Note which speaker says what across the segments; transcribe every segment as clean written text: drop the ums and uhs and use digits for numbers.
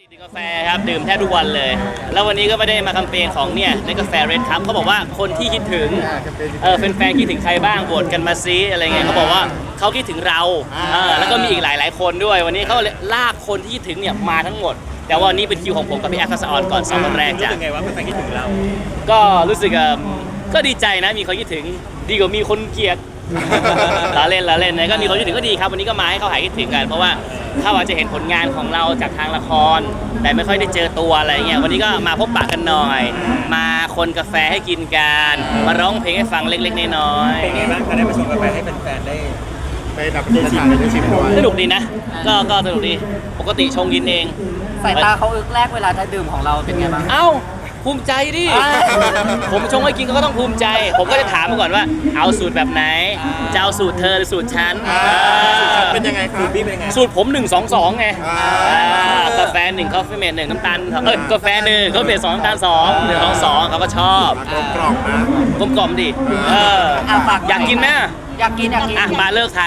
Speaker 1: ดื่มกาแฟครับดื่มแทบทุกวันเลยแล้ววันนี้ก็ไม่ได้มาแคมเปญของเนี่ยในกาแฟเรดครับเขาบอกว่าคนที่คิดถึงแฟนๆคิดถึงใครบ้างโหวตกันมาซิอะไรเงี้ยเขาบอกว่าเขาคิดถึงเราแล้วก็มีอีกหลายๆคนด้วยวันนี้เขาลากคนที่คิดถึงเนี่ยมาทั้งหมดแต่ว่านี่เป็นคิวของผมกับพี่แอฟทัศออนก่อน2 วันแรกจ้ะ
Speaker 2: รู้สึกไงว่าแฟนๆคิดถึงเรา
Speaker 1: ก็รู้สึกก็ดีใจนะมีคนคิดถึงดีกว่ามีคนเกลียดละเล่นนะก็มีคนคิดถึงก็ดีครับวันนี้ก็มาให้เขาหายคิดถึงกันเพราะว่าเขาอาจจะเห็นผลงานของเราจากทางละครแต่ไม่ค่อยได้เจอตัวอะไรเงี้ยวันนี้ก็มาพบปะกันหน่อยมาคนกาแฟให้กินกันมาร้องเพลงให้ฟังเล็กๆน้อย
Speaker 2: ๆเป็นไงบ้างคะได้มาชมกาแฟให้แฟนๆได้
Speaker 3: ไปดับได้ชิมด้วย
Speaker 1: สนุกดีนะก็สนุกดีปกติชงกินเอง
Speaker 4: สายตาเขาอึกแรกเวลาจะดื่มของเราเป็นไงบ้าง
Speaker 1: เอ้าภูมิใจดิผมชงให้กินก็ต้องภูมิใจผมก็จะถามมาก่อนว่าเอาสูตรแบบไหนจะเอาสูตรเธอหรือสูตรฉัน
Speaker 3: เป็นยังไงครับ
Speaker 2: สูตรพี่เป็นยังไง
Speaker 1: สูตรผม1-2-2ไงกาแฟ1คอฟฟี่เมด1น้ำตาลกาแฟ1คอฟฟี่เมด2น้ำตาล2 1-2-2เขาก็ชอบ
Speaker 3: กล่อมนะ
Speaker 1: กลมดิอยากกินไหม
Speaker 4: อยากกิน
Speaker 1: มาเลิกไทย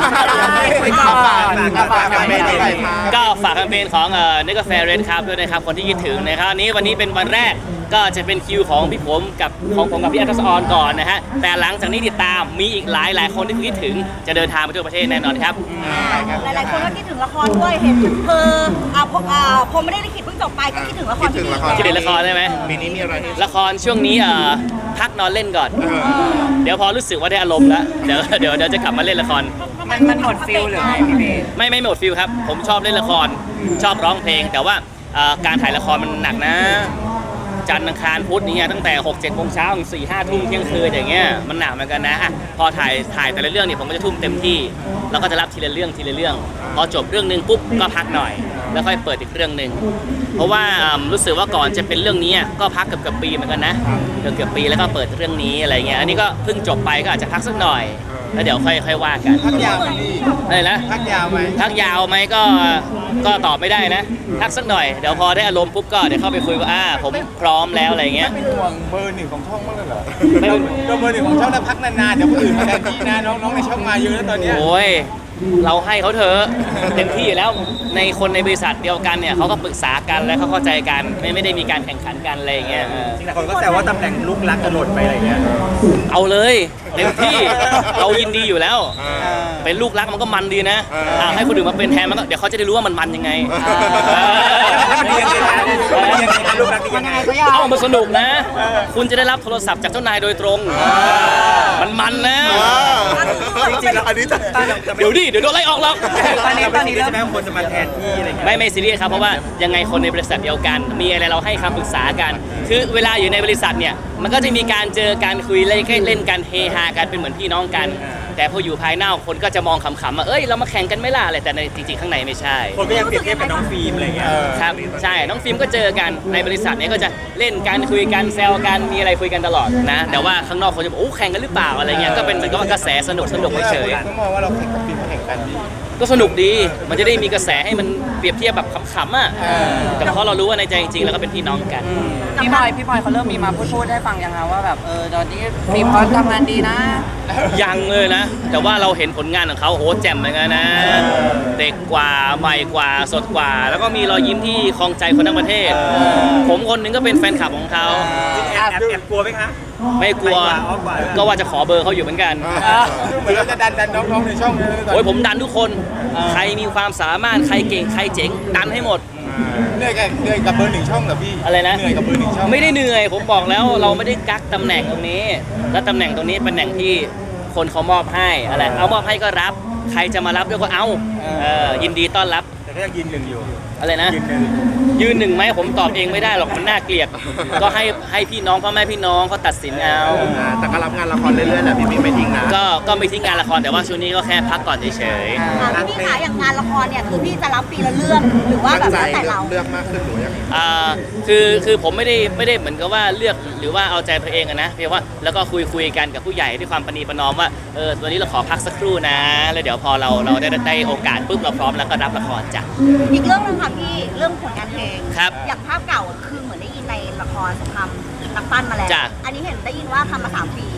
Speaker 1: ก็ฝากแคมเปญของเนกาแฟเรดครับด้วยนะครับคนที่คิดถึงนะครับวันนี้เป็นวันแรกก็จะเป็นคิวของพี่ผมกับพี่แอฟทัศออนก่อนนะฮะแต่หลังจากนี้ติดตามมีอีกหลายคนที่คิดถึงจะเดินทางไปทั่วประเทศแน่นอนครับ
Speaker 5: หลายๆคนก็คิดถึงละครด้วยเห็นพอไม่ได้ลิขิตเพิ่งจบไปก็คิดถึงละครที่
Speaker 1: คิดถึงละครใช่ไหม
Speaker 3: ปีนี้มีอะไร
Speaker 1: ละครช่วงนี้พักนอนเล่นก่อนเดี๋ยวพอรู้สึกว่าได้อารมณ์แล้วเดี๋ยวจะกลับมาเล่นละคร
Speaker 4: มันหมดฟิลหรือไงพี่
Speaker 1: ไม่หมดฟิลครับผมชอบเล่นละครชอบร้องเพลงแต่ว่าการถ่ายละครมันหนักนะจันทร์อังคารพุธนี้ตั้งแต่ 6-7 โมงเช้าถึง 4-5 ทุ่มเที่ยงคืนอย่างเงี้ยมันหนักเหมือนกันนะพอถ่ายแต่ละเรื่องเนี่ยผมก็จะทุ่มเต็มที่แล้วก็จะรับทีละเรื่องพอจบเรื่องนึงปุ๊บก็พักหน่อยแล้วค่อยเปิดอีกเรื่องนึงเพราะว่ารู้สึกว่าก่อนจะเป็นเรื่องนี้ก็พักเกือบปีเหมือนกันนะเกือบปีแล้วก็เปิดเรื่องนี้อะไรเงี้ยอันนี้ก็เพิ่งจบไปก็อาจจะพักสักหน่อยแล้วเดี๋ยวค่อยว่ากัน
Speaker 3: พักยาวไหมพี่
Speaker 1: อะไรนะ
Speaker 3: พักยาว
Speaker 1: ไหมก็ตอบไม่ได้นะพักสักหน่อยเดี๋ยวพอได้อารมณ์ปุ๊บก็เดี๋ยวเข้าไปคุยว่าผมพร้อมแล้วอะไรเงี้ย
Speaker 3: ไม่เป็นห่วงเบอร์ 1ของช่องมากเลยเหรอไม่เป็นเบอร์ 1ของช่องแล้วพักนานๆเดี๋ยวคนอื่นมาแทนที่นะน้องในช่องมาเยอะแล้วตอนนี้
Speaker 1: โอ้ยเราให้เขาเถอะเต็มที่อยู่แล้วในคนในบริษัทเดียวกันเนี่ยเขาก็ปรึกษากันและเขาเข้าใจกันไม่ได้มีการแข่งขันกันอะไรอย่างเงี้ย
Speaker 2: จริงๆคนก็แซวว่าตำแหน่งลูกรักจะหล่นไปอะไรเงี้ย
Speaker 1: เอาเลยเต็มที่เรายินดีอยู่แล้วเป็นลูกรักมันก็มันดีนะให้คนอื่นมาเป็นแทนมันก็เดี๋ยวเขาจะได้รู้ว่ามันยังไง
Speaker 2: มันยังไงลูกรักยังไง
Speaker 1: เอามาสนุกนะคุณจะได้รับโทรศัพท์จากเจ้านายโดยตรงมันนะ
Speaker 3: จริงๆแล้วอันนี้
Speaker 1: เดี๋ยวโดนไล่ออกแล้ว
Speaker 2: ตอนนี้เริ่มคนจะมาแทนที่อะไรเงี้ย
Speaker 1: ไม่ซีเรียสครับเพราะว่ายังไงคนในบริษัทเดียวกันมีอะไรเราให้คำปรึกษากันคือเวลาอยู่ในบริษัทเนี่ยมันก็จะมีการเจอการคุยเล่นกันเฮฮากันเป็นเหมือนพี่น้องกันแต่พออยู่ภายนอกคนก็จะมองขำๆว่าเรามาแข่งกันไม่ล่ะอะไรแต่ในจริงๆข้างในไม่ใช่
Speaker 2: คนก็ยังเปรียบเทียบกับน้องฟิล์มอะไรเงี้ย
Speaker 1: ครับใช่น้องฟิล์มก็เจอกันในบริษัทนี้ก็จะเล่นกันคุยกันแซวกันมีอะไรคุยกันตลอดนะแต่ว่าข้างนอกคนจะบอกแข่งกันหรือเปล่าอะไรเงี้ยก็เป็นเหมือนกับกระแสสนุกเฉย
Speaker 3: ๆก็มองว่าเราแข่งกับฟิล์มแข่งกัน
Speaker 1: ก็สนุกดีมันจะได้มีกระแสให้มันเปรียบเทียบแบบขำๆแต่เพราะเรารู้ว่าในใจจริงๆแล้วก็เป็นพี่น้องกัน
Speaker 4: พี่บอยเขาเริ่มมีมาพูดให้ฟังยังไงว่าแบบตอนนี้ฟิล์มเขาทำงานดีนะ
Speaker 1: ยังเลยนะแต่ว่าเราเห็นผลงานของเขาโหแจ่มเหมือนกันนะเด็กกว่าใหม่กว่าสดกว่าแล้วก็มีรอยยิ้มที่คลองใจคนทั้งประเทศผมคนนึงก็เป็นแฟนคลับของเขา
Speaker 2: แอบกลัวไหมคะ
Speaker 1: ไม่กลัวก็ว่าจะขอเบอร์เขาอยู่เหมือนกัน
Speaker 3: เหมือนเราจะดันน้องๆในช่อง
Speaker 1: โอ้ยผมดันทุกคนใครมีความสามารถใครเก่งใครเจ๋งดันให้หมด
Speaker 3: เหนื่อยกับเบอร์ 1ช่องเหรอพี่
Speaker 1: อะไรนะ
Speaker 3: เหนื่อยกับเบอร์ 1ช่อง
Speaker 1: ไม่ได้เหนื่อยผมบอกแล้วเราไม่ได้กักตำแหน่งตรงนี้และตำแหน่งตรงนี้เป็นตำแหน่งที่คนเขามอบให้อะไรเอามอบให้ก็รับใครจะมารับด้วยก็เอายินดีต้อนรับ
Speaker 2: แต่ก็ยังยืน1อยู่
Speaker 1: อะไรนะยืน1ไหมผมตอบเองไม่ได้หรอกมันน่าเกลียดก็ให้พี่น้องพ่อแม่พี่น้องเขาตัดสินเอา
Speaker 3: แต่ก็รับงานละครเรื่อยๆแหละพี่ไม่ทิ้งนะ
Speaker 1: ก็ไม่ทิ้งงานละครแต่ว่าช่วงนี้ก็แค่พักก่อนเฉย
Speaker 5: ๆพี่ขาอย่างงานละครเนี่ยคือพี่จะรับปีละเรื่องหรือว่าแบบแล้วแต่เรา
Speaker 3: เลือกมากขึ้นหรือยัง
Speaker 1: คือผมไม่ได้เหมือนกับว่าเลือกหรือว่าเอาใจตัวเองนะเพียงว่าแล้วก็คุยกันกับผู้ใหญ่ด้วยความประนีประนอมว่าตัวนี้เราขอพักสักครู่นะแล้วเดี๋ยวพอเราได้โอกาสปุ๊บเราพร้อมแล้วก็รับละครจ้ะ
Speaker 5: อีกเรื่องนึงค่ะพี่เรื่องผลงานเพลง
Speaker 1: ครับ
Speaker 5: อย่างภาพเก่าคือเหมือนได้ยินในละครสงครามนักปั้นมาแล้วอันนี้เห็นได้ยินว่าทำมา3 ปี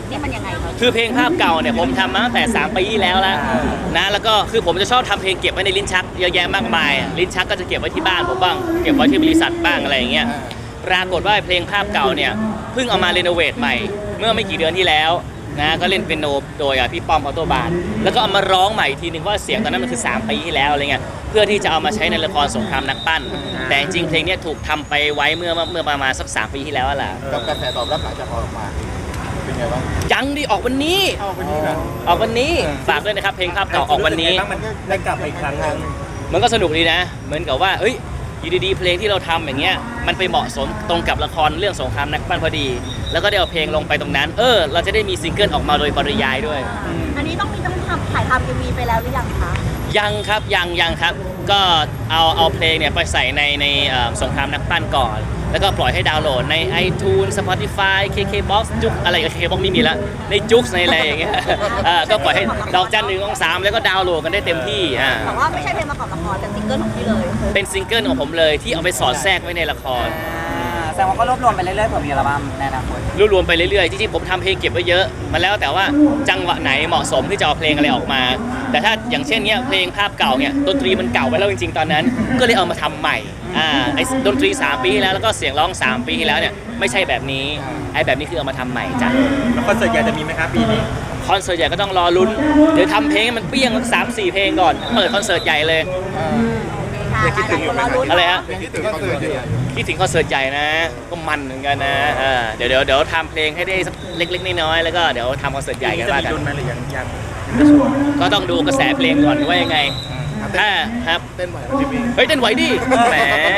Speaker 5: นี่มันยังไงคะ
Speaker 1: คือเพลงภาพเก่าเนี่ยผมทำมาตั้งแต่3 ปีที่แล้วนะแล้วก็คือผมจะชอบทำเพลงเก็บไว้ในลิ้นชักเยอะแยะมากมายลิ้นชักก็จะเก็บไว้ที่บ้านผมบ้างเก็บไว้ที่บริษัทบ้างอะไรอย่างเงี้ยปรากฏว่าเพลงภาพเก่าเนี่ยเพิ่งเอามารีโนเวทใหม่เมื่อไม่กี่เดือนที่แล้วนะก็เล่นเปียโนโดยพี่ป้อมออโตบานแล้วก็เอามาร้องใหม่ทีนึงว่าเสียงตอนนั้นมันคือ3 ปีที่แล้วอะไรเงี้ยเพื่อที่จะเอามาใช้ในละครสงครามนักปั้นแต่จริงเพลงเนี้ยถูกทำไปไว้เมื่อประมาณสัก3 ปีที่แล้วแหละ
Speaker 3: กับกระแสตอบรับหลังจากออกมาเป็นไงบ้าง
Speaker 1: ยังดิออกวันนี้
Speaker 3: เข้าไปนี่นะ
Speaker 1: ออกวันนี้ฝากด้วยนะครับเพลงภาพเก่าออกวันนี้
Speaker 2: บ้างมันได้กลับมาอีกครั้งหนึง
Speaker 1: มันก็สนุกดีนะ เหมือนกับว่าเอ้ยอยู่ดีๆเพลงที่เราทำอย่างเงี้ยมันไปเหมาะสมตรงกับละครเรื่องสงครามนักปั้นพอดี แล้วก็ได้เอาเพลงลงไปตรงนั้นเราจะได้มีซิงเกิลออกมาโดยปริยายด้วย
Speaker 5: อันนี้ต้องถ่ายทำ MV ไปแล้วหรือยังคะ
Speaker 1: ยังครับยังครับก็เอาเพลงเนี่ยไปใส่ในสงครามนักปั้นก่อน แล้วก็ปล่อยให้ดาวน์โหลดใน iTunes Spotify KKBox จุกอะไร KKBox ไม่มีละในจุกในอะไรอย่างเงี้ยก็ปล่อยให้ดอกจัน123แล้วก็ดาวน์โหลดกันได้เต็มที่
Speaker 5: แต่ว่าไม่ใช่เพลงประกอบละครแต่ซิงเกิลของพี่เลย
Speaker 1: เป็นซิงเกิลของผมเลยที่เอาไปสอดแทรกไว้ในละคร
Speaker 4: แสดงว่าก็รวบรวมไปเรื่อยๆเผื่อมีอัลบั้มในอนาคต
Speaker 1: รวมๆไปเรื่อยๆจริงๆผมทำเพลงเก็บไว้เยอะมาแล้วแต่ว่าจังหวะไหนเหมาะสมที่จะเอาเพลงอะไรออกมา แต่ถ้าอย่างเช่นเนี้ยเพลงภาพเก่าเนี่ยดนตรีมันเก่าไปแล้วจริงๆตอนนั้น ก็เลยเอามาทำใหม่ไอ้ดนตรี3 ปีที่แล้วแล้วก็เสียงร้อง3 ปีที่แล้วเนี่ยไม่ใช่แบบนี้ไอ้แบบนี้คือเอามาทำใหม่จ้ะ
Speaker 2: แล้วคอนเสิร์ตใหญ่จะมีไหมครับปีนี้
Speaker 1: คอนเสิร์ตใหญ่ก็ต้องรอลุ้นเดี๋ยวทำเพลงให้มันเปี้ยงสัก3-4 เพลงก่อนเปิดคอนเสิร์ตใหญ่เลย
Speaker 5: ค่ะหลายคนรอลุ้น
Speaker 1: อะไรฮะ
Speaker 3: ยังคิดถึงคอนเสิร์ตอยู่
Speaker 1: คิดถึงคอนเสิร์ตใหญ่นะก็มันเหมือนกันนะเดี๋ยวทำเพลงให้ได้สักเล็กๆน้อยๆแล้วก็เดี๋ยวทำคอนเสิร์ตใหญ่กัน
Speaker 2: จะ
Speaker 1: ว่า
Speaker 2: มี
Speaker 1: กัน
Speaker 2: ดุลไหมหรือยัง
Speaker 1: ก็ต้องดูกระแสเพลงก่อนว่ายังไงถ้าครับ
Speaker 3: เต้นไหวไหมพี่
Speaker 1: เฮ้ยเต้นไหวดิแหม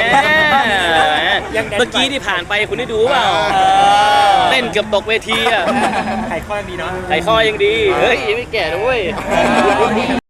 Speaker 1: เมื่อกี้ที่ผ่านไปคุณได้ดูเปล่าเต้นเกือบตกเวทีอ่ะ
Speaker 2: ไข่ข้อยังดีเนาะ
Speaker 1: ไขข้อยังดีเฮ้ยยังไม่แก่ด้วย